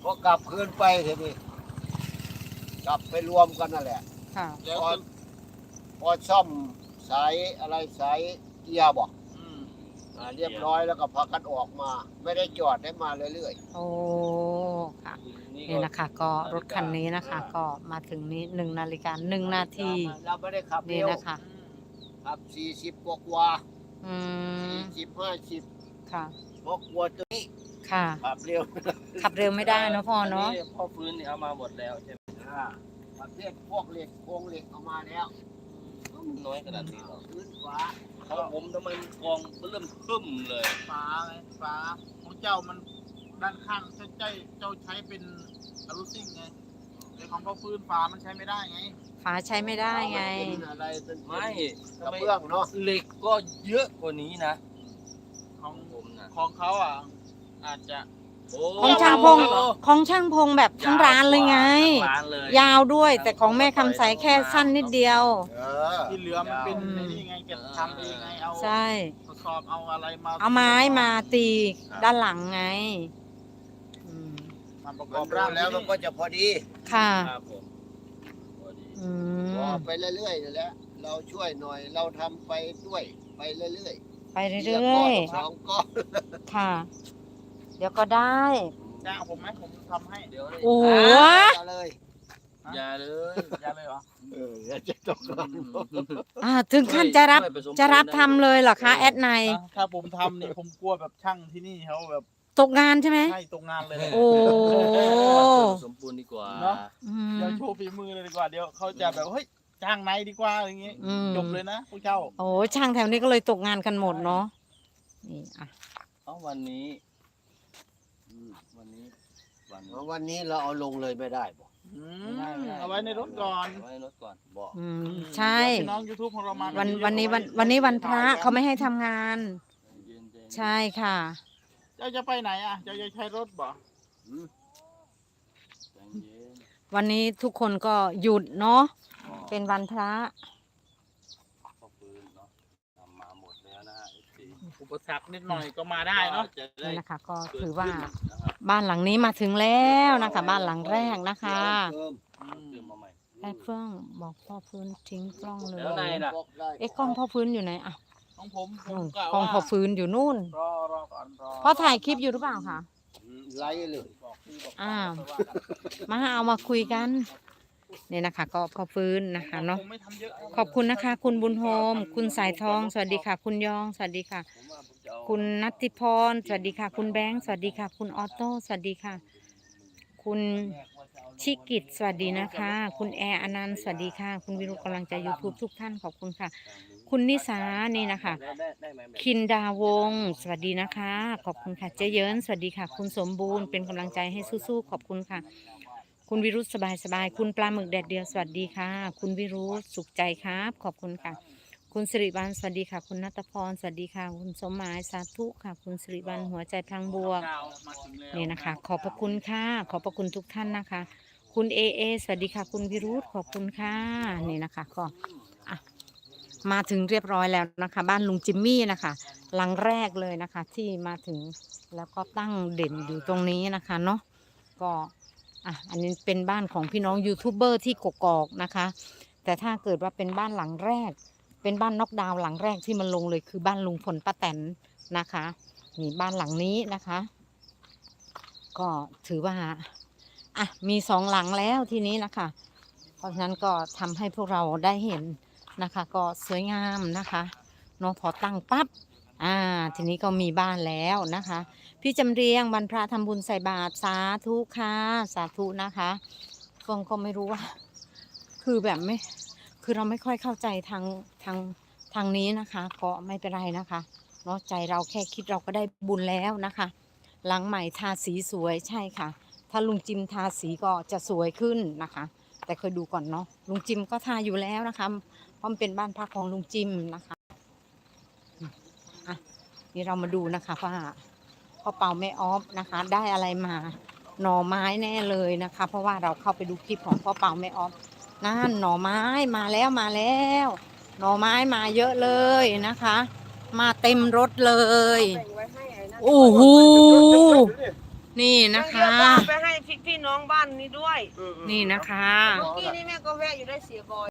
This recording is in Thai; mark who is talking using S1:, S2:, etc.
S1: อกลับคืนไปทีนี้กลับไปรวมกันนั่นแหละ
S2: ค่ะ
S1: พอพอซ่อมสายอะไรสายเกียร์บอกเรียบร้อยแล้วก็พากันออกมา ไม่ได้จอดได้มาเรื่อย
S2: โอ้ค่ะนี่นะคะ ก็รถคันนี้นะคะ ก็มาถึงนี้1 นาฬิกา 1 นาที
S1: เราไม่ได้ขับ
S2: นี่
S1: เร็ว
S2: นะคะ
S1: ขับ40กว่า
S2: อืม
S1: 40 50
S2: ค่ะ
S1: เพราะกลัวตัวนี้
S2: ค่ะ
S1: ขับเร็ว
S2: ขับเร็วไม่ได้เนอะพ่อเนาะ
S3: พ่อฟื้นเนี่ยเอามาหมดแล้วใช่ไหม
S1: ประเภทพวกเหล็กโครงเหล็กเอามาแล้ว
S3: น้อยขนาดนี้หรอ
S1: พื้นฟ้า
S3: ของผมทำไมกองเริ่มขึ้นเลย
S4: ฟ้าไงฟ้าของเจ้ามันด้านข้างเจ้าใช้เป็นอลูซิ่งไงแต่ของพ่อฟื้นฟ้ามันใช้ไม่ได้ไง
S2: ฝาใช้ไม่ได้ไง
S1: เป็นอะไรเป็น
S3: ไม่
S1: กระเบื้องเนาะ
S3: เหล็กก็เยอะกว่านี้นะ
S4: ของ
S3: ผมนะ
S4: ของเขาอ่ะอาจจะ
S2: ของช่างพงของช่างพงแบบทั้งร้านเลยไง
S3: ร้านเลย
S2: ยาวด้วยแต่ของแม่คำใสแค่สั้นนิดเดียว
S4: ที่เหลือมันเป็นไอ้นี่ไงเก็บทำเองไงเอา
S2: ใช่
S4: ทดสอบเอาอะไรมา
S2: เอาไม้มาตีด้านหลังไงอืม
S4: มาประก
S1: มั
S4: อน บ
S1: ดู
S4: ร่าง
S1: แล้วมันก็จะพอดี
S2: ค่ะ
S3: ครับผมพอดี
S2: อื
S1: พอ
S2: ม
S1: ไปเรื่อยๆนั่นแหละเราช่วยหน่อยเราทำไปด้วยไปเรื่อย
S2: ไป
S1: ๆ
S2: เรื่อย
S1: สองก้อน
S2: ๆค่ะ เดี๋ยวก็ได้
S4: จ้างผมไหมผมทำให้
S3: เดี๋ยว
S2: โอ้โห
S1: เอาเลย
S3: อย่าเลย
S4: จ้างเลยเหรอ
S1: เดี๋ยวจะต้องการ
S2: ถึงขั้นจะรับ
S3: ช่วยผสม
S2: จะรับ
S3: ปูนได้
S2: ทำเลยเหรอคะแอดไน
S4: ถ้าผมทำนี่ผมกลัวแบบช่างที่นี่เขาแบบ
S2: ตกงานใช่ไหม
S4: ให้ตรงงานเลย
S2: โอ้
S3: ผสมปูนดีกว่า
S4: เนาะ
S2: อืม
S4: เดี๋ยวโชว์ฝีมือเลยดีกว่าเดี๋ยวเขาจะแบบเฮ้ยจ้างไหนดีกว่าอย่างงี้
S2: อืม
S4: จบเลยนะพวกเจ้า
S2: โอ้ช่างแถวนี้ก็เลยตกงานกันหมดเนาะนี่อ่ะ
S3: เอาวันนี้วันนี้
S1: วันนี้เราเอาลงเลยไม่ได้บอก
S4: เอาไว้ในรถก่อน
S3: เอาไว้ในรถก่อน
S1: บอก
S2: อืมใช่
S4: เดี๋ยวพี่น้อง YouTube ของเรามา
S2: วันนี้วันพระเขาไม่ให้ทำงาน
S3: เย็นๆ
S2: ใช่ค่ะ
S4: เจ้าจะไปไหนอ่ะเจ้าจะใช้รถบ่
S3: ใจเย็น
S2: วันนี้ทุกคนก็หยุดเนาะเป็นวันพระ
S3: พ่อฟื้นเนาะทำมาหมดแล้วนะฮะ FC
S4: อุปสรรคนิดหน่อยก็มาได้เนาะ
S3: จะได้
S2: นี่นะคะ ก็ถือว่า
S3: นะครับ
S2: บ้านหลังนี้มาถึงแล้วนะคะ บ้านหลังแรกนะคะ
S1: เพิ่ม
S3: เติมมาใหม่
S2: แอดเฟื่องบอกพ่อฟื้นทิ้งกล้องเลย
S3: แล้วในล่ะ
S1: บอกได้
S2: เอ๊ะกล้องพ่อฟื้นอยู่ไหนอ่ะ
S4: ของผมผม
S2: กล้องพ่อฟื้นอยู่นู่น
S4: รอก่อนรอ
S2: พ่อถ่ายคลิปอยู่หรือเปล่าคะ
S1: ไล่เลย
S4: บอกพี่บอก
S2: อ้าว
S4: ค่อยกัน
S2: มาเอามาคุยกันเนี่ยนะคะ ก็พ่อฟื้นนะคะเนาะ
S4: คงไม่ทำเยอะ
S2: ขอบคุณนะคะ คุณบุญโฮมคุณสายทองสวัสดีค่ะ คุณยองสวัสดีค่ะ
S3: ผมว่าผมจะเอา
S2: คุณนัตติพรสวัสดีค่ะ คุณแบงค์สวัสดีค่ะ คุณออโต้สวัสดีค่ะ คุณชิกิตสวัสดีนะคะ คุณแอร์อนันต์สวัสดีค่ะ คุณวิรุฬกำลังใจ YouTube ทุกท่านขอบคุณค่ะ คุณนิสานี่นะคะ
S3: ได้ไหมแบบ
S2: คินดาวงศ์สวัสดีนะคะ ขอบคุณค่ะเจเยินสวัสดีค่ะ คุณสมบูรณ์เป็นกำลังใจให้สู้ๆขอบคุณค่ะ คุณวิรุธสบายๆคุณปลาหมึกแดดเดียวสวัสดีค่ะ คุณวิรุธสุขใจครับขอบคุณค่ะ คุณสิริวัลย์สวัสดีค่ะ คุณนัทพรสวัสดีค่ะ คุณสมหมายสาธุค่ะ คุณสิริวัลย์หัวใจพลังบวก
S4: มาถึงแล้ว
S2: นี่นะคะ ขอบพระคุณค่ะ ขอบพระคุณทุกท่านนะคะ คุณเอสวัสดีค่ะ คุณวิรุธขอบคุณค่ะนี่นะคะก็อ่ะมาถึงเรียบร้อยแล้วนะคะ บ้านลุงจิมมี่นะคะหลังแรกเลยนะคะ ที่มาถึงแล้วก็ตั้งเด่นอยู่ตรงนี้นะคะเนาะก็อ่ะอันนี้เป็นบ้านของพี่น้องยูทูบเบอร์ที่กกอกนะคะ แต่ถ้าเกิดว่าเป็นบ้านหลังแรก เป็นบ้านน็อกดาวน์หลังแรกที่มันลงเลยคือบ้านลุงพลป้าแตนนะคะนี่บ้านหลังนี้นะคะ ก็ถือว่าอ่ะมีสองหลังแล้วทีนี้นะคะ เพราะฉะนั้นก็ทำให้พวกเราได้เห็นนะคะ ก็สวยงามนะคะเน้องพอตั้งปั๊บทีนี้ก็มีบ้านแล้วนะคะ พี่จำเรียงวันพระทำบุญใส่บาตรสาธุค่ะสาธุนะคะเฟื่องก็ไม่รู้ว่า คือแบบไม่คือเราไม่ค่อยเข้าใจทางนี้นะคะ ก็ไม่เป็นไรนะคะเนาะใจเราแค่คิดเราก็ได้บุญแล้วนะคะ หลังใหม่ทาสีสวยใช่ค่ะ ถ้าลุงจิมทาสีก็จะสวยขึ้นนะคะ แต่เคยดูก่อนเนาะลุงจิมก็ทาอยู่แล้วนะคะเพราะมันเป็นบ้านพักของลุงจิมนะคะอ่ะนี่เรามาดูนะคะว่าพ่อเปาแม่ออฟนะคะ ได้อะไรมาหน่อไม้แน่เลยนะคะ เพราะว่าเราเข้าไปดูคลิปของพ่อเปาแม่ออฟนั่นหน่อไม้มาแล้วมาแล้ว หน่อไม้มาเยอะเลยนะคะ มาเต็มรถเลยโอ้โหนี่นะคะ
S5: เดี๋ยวก็เอาไปให้พี่น้องบ้านนี้ด้วย
S2: นี่นะคะ
S5: เมื่อกี้นี่แม่ก็แวะอยู่ได้เสียบอย